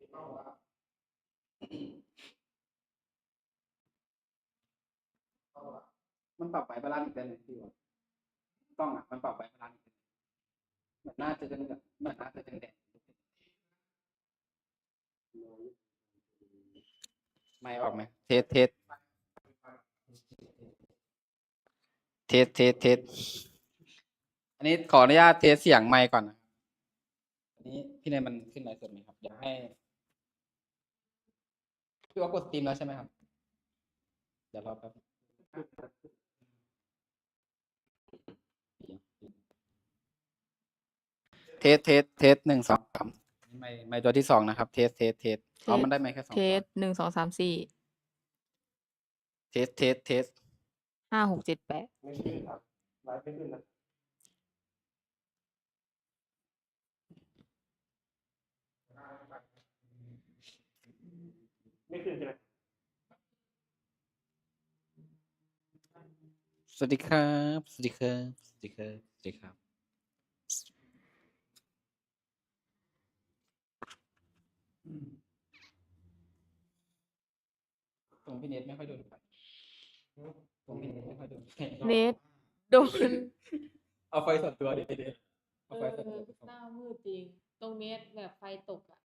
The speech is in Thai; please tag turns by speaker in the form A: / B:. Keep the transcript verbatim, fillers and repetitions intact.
A: มันปรับไฟบาลานซ์อีกได้ไหมพี่วะกล้องอ่ะมันปรับไฟบาลานซ์อีกเหมือนหน้าจะเป็นแบบเหมือนหน้าจะเป็นแดงไม่ออกไหมเทสเทสเทสเทสเทสอันนี้ขออนุญาตเทสเสียงไมค์ก่อนนะอันนี้พี่เนยมันขึ้นไลฟ์สดไหมครับอยากให้พี่ว่ากดสตรีมแล้วใช่ไหมครับเดี๋ยวรอแป๊บเทสเทสเทสหนึ่งสองสามไม่ไม่ตัวที่สองนะครับ เทสเทสเทสเอามันได้ไหมแค่สอง
B: เท
A: ตัว
B: สหนึ่งสองสามสี่
A: เทสเทสเทส
B: ห้าหกเจ็ดแปด
C: ไม่ขึ้นครับไลฟ์ไม่ขึ้นนะไม่ขึ้นใช่ไหม
A: สวัสดีครับ สวัสดีครับ สวัสดีครับ สวัสดีครับตรงพี่เนทไม่ค่อยโดนไฟตรงพี่เนทไม่ค่อยโดนไฟ
B: เนทโดน
A: เอาไฟส่วนตัวดิเนทเอา
D: เอ
A: ไฟ
D: อ
A: ส่วนตัวไปส่อง
D: หน้ามืดจริง ตรงเนี้ยแบบไฟตกอ่ะ